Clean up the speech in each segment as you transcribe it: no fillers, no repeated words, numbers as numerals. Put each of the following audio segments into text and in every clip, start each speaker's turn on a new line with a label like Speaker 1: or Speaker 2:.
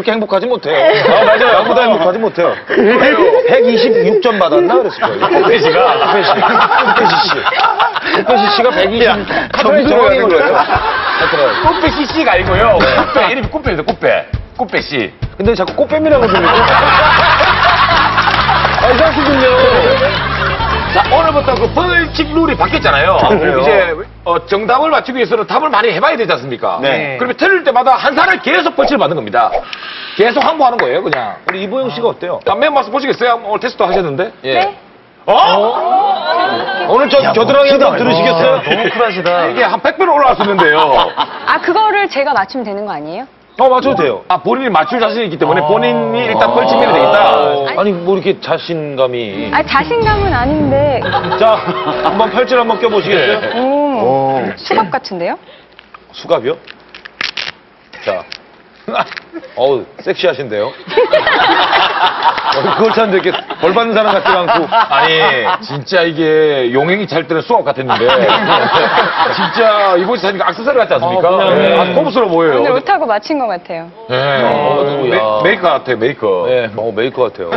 Speaker 1: 그렇게 행복하지 못해요.
Speaker 2: 아, 맞아요.
Speaker 1: 나보다 행복하지 못해요. 126점 받았나 그랬을 거예요.
Speaker 2: 꽃배 씨가.
Speaker 1: 꽃배 씨가 120. 카페에 정확히 걸려요.
Speaker 2: 꽃배 씨가 아니고요. 꽃배, 이름이 꽃배입니다, 꽃배. 꽃배 씨.
Speaker 1: 근데 자꾸 꽃뱀이라고 들리고. 이상하시군요.
Speaker 2: 자, 오늘부터 그 벌칙 룰이 바뀌었잖아요. 이제 정답을 맞추기 위해서는 답을 많이 해봐야 되지 않습니까?
Speaker 1: 네.
Speaker 2: 그러면 틀릴 때마다 한 사람이 계속 벌칙을 받는 겁니다. 계속 항복하는 거예요, 그냥.
Speaker 1: 우리 이보영 씨가 어때요?
Speaker 2: 맨 말씀 보시겠어요? 오늘 테스트 하셨는데? 예.
Speaker 3: 네.
Speaker 1: 오늘 겨드랑이 한번 들으시겠어요?
Speaker 4: 너무 쿨하시다.
Speaker 2: 이게 한 100배로 올라왔었는데요.
Speaker 3: 아, 그거를 제가 맞추면 되는 거 아니에요?
Speaker 1: 맞춰도 돼요.
Speaker 2: 아, 본인이 맞출 자신이 있기 때문에 본인이 일단 벌칙 내면 되겠다.
Speaker 1: 아니, 뭐 이렇게 자신감이.
Speaker 3: 아, 자신감은 아닌데.
Speaker 1: 자, 한번 팔찌를 한번 껴보시겠어요?
Speaker 3: 수갑 같은데요?
Speaker 1: 수갑이요? 자. 어우, 섹시하신데요? 그걸 찾는데 이렇게 벌 받는 사람 같지가 않고.
Speaker 2: 아니, 진짜 이게 용행이 잘 때는 수업 같았는데. 진짜 이번 주 사니까 액세서리 같지 않습니까?
Speaker 1: 그냥,
Speaker 2: 아주 고급스러워 보여요.
Speaker 3: 오늘 옷하고 맞힌 것 같아요.
Speaker 1: 누구야.
Speaker 2: 메이커 같아요, 메이커.
Speaker 1: 네, 메이커 같아요.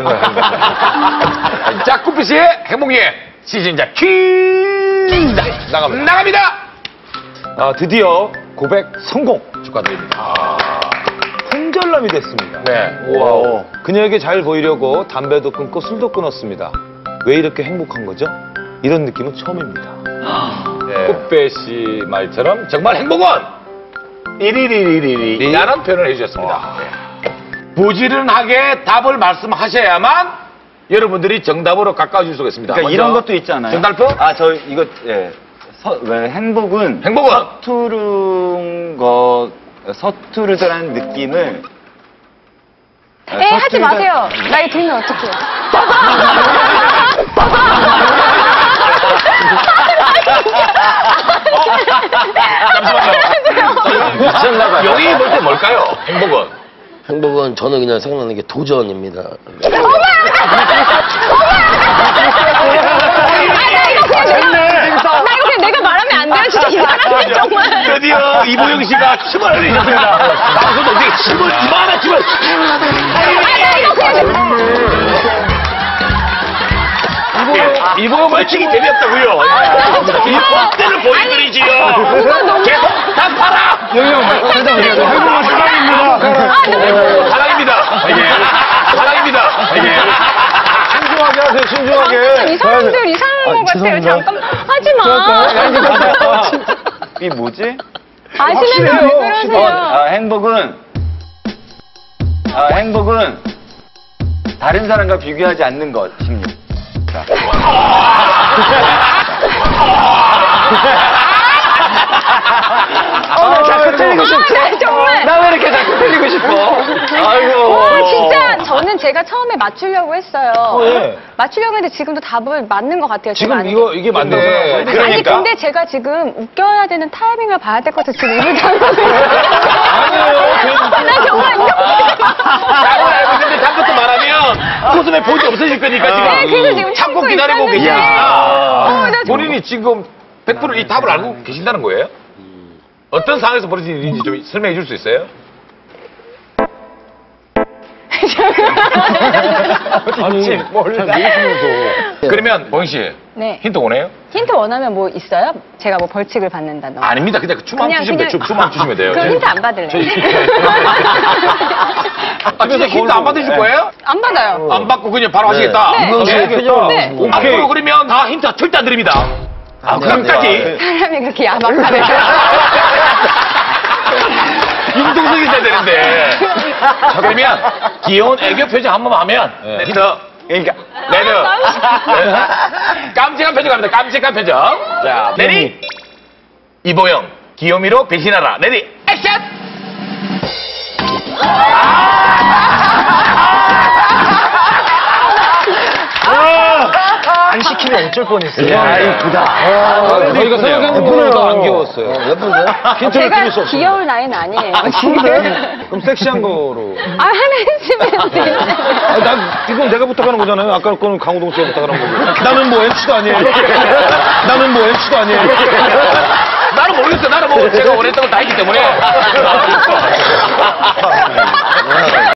Speaker 2: 자, 꾸피씨의 행복예 시즌작 퀴즈 나갑니다.
Speaker 1: 아, 드디어 고백 성공!
Speaker 2: 축하드립니다.
Speaker 1: 품절남이 됐습니다.
Speaker 2: 네.
Speaker 1: 우와. 그녀에게 잘 보이려고 담배도 끊고 술도 끊었습니다. 왜 이렇게 행복한 거죠? 이런 느낌은 처음입니다.
Speaker 2: 네. 꽃배씨 말처럼 정말 행복은 이리리리리리라는 표현을 해주셨습니다. 네. 부지런하게 답을 말씀하셔야만 여러분들이 정답으로 가까워질 수가 있습니다.
Speaker 4: 그러니까 이런 것도 있잖아요.
Speaker 2: 정달표?
Speaker 4: 이거, 예. 왜 행복은 서투르더라는 느낌을
Speaker 3: 하지 마세요. 나이 들면 어떡해요.
Speaker 2: 잠시만요. 영이 볼 때 뭘까요? 행복은?
Speaker 5: 행복은 저는 그냥 생각나는 게 도전입니다.
Speaker 3: 나 이거 그냥 내가 말하면 안 돼요? 진짜 이 사람들 정말.
Speaker 2: 드디어 이보영 씨가 침을 흘리셨습니다. 방송도 어떻게 침을, 이만한 침을. 이보영 벌칙이 재미없다고요. 이 뻔때를 보여드리지요. 계속 답하라.
Speaker 1: 행복은 사랑입니다.
Speaker 2: 사랑입니다. 사랑입니다.
Speaker 1: 신중하게 하세요, 신중하게.
Speaker 3: 이 사람들 이상한 것 같아요. 잠깐 하지 마.
Speaker 4: 이게 뭐지?
Speaker 3: 아시는 왜 그러세요?
Speaker 4: 행복은 다른 사람과 비교하지 않는 것입니다.
Speaker 1: 자꾸 틀리고 싶어.
Speaker 3: 정말.
Speaker 1: 나 왜 이렇게 자꾸 틀리고 싶어? 아이고.
Speaker 3: 진짜 저는 제가 처음에 맞추려고 했어요.
Speaker 1: 예.
Speaker 3: 맞추려고 했는데 지금도 답을 맞는 것 같아요.
Speaker 1: 지금
Speaker 3: 제가
Speaker 1: 이게 맞는 거예요.
Speaker 3: 아니
Speaker 1: 그러니까.
Speaker 3: 근데 제가 지금 웃겨야 되는 타이밍을 봐야 될 것 같아서 지금 입을 닫고
Speaker 1: 아니에요.
Speaker 3: 나 정말
Speaker 2: 답을 알고 있는데 답부터 말하면 웃음의 본이 없어질 거니까
Speaker 3: 네, 그래서
Speaker 2: 지금
Speaker 3: 지금
Speaker 2: 참고
Speaker 3: 참고
Speaker 2: 기다리고
Speaker 3: 있었는데.
Speaker 2: 계십니다.
Speaker 3: 나 정말-
Speaker 2: 본인이 지금 100%이 답을 알고 계신다는 거예요? 어떤 상황에서 벌어진 일인지 좀 설명해 줄 수 있어요?
Speaker 1: 아니, 모르시면서.
Speaker 2: 그러면 보영 씨
Speaker 3: 네.
Speaker 2: 힌트 원해요?
Speaker 3: 힌트 원하면 뭐 있어요? 제가 뭐 벌칙을 받는다던가.
Speaker 2: 아닙니다. 그냥 춤만 주시면 돼요. 춤만 주시면 돼요.
Speaker 3: 그럼 힌트 안 받을래요?
Speaker 2: 아, 진짜 힌트 안 받으실 거예요?
Speaker 3: 안 받아요.
Speaker 2: 안 받고 그냥 바로 하시겠다?
Speaker 3: 네.
Speaker 1: 이건
Speaker 2: 네.
Speaker 1: 알겠죠?
Speaker 3: 네.
Speaker 2: 앞으로 그러면 다 힌트 절대 안 드립니다. 그럼까지
Speaker 3: 사람이 그렇게 야박하네.
Speaker 2: 융통성이 있어야 되는데. 자, 그러면 귀여운 애교 표정 한 번만 하면 힌트. 그러니까 레드. 깜찍한 표정 갑니다. 깜찍한 표정. 자, 레디. 이보영 귀요미로 배신하라. 레디 액션.
Speaker 4: 안 시키면 어쩔 뻔했어요.
Speaker 1: 야, 이쁘다. 저희가 생각하는 것보다 안 귀여웠어요. 예쁜데요? 힌트를
Speaker 3: 제가
Speaker 1: 드릴 수 없어요.
Speaker 3: 귀여울 나이는 아니에요. 지금.
Speaker 1: 그럼 섹시한 거로.
Speaker 3: 하나 했으면 돼요.
Speaker 1: 이건 내가 부탁하는 거잖아요. 아까 거는 강호동 씨가 부탁하는 거고. 나는 뭐 MC도 아니에요. 나는 뭐 MC도 아니에요.
Speaker 2: 나는 모르겠어. 나는 뭐 제가 원했던 거 다 했기 때문에.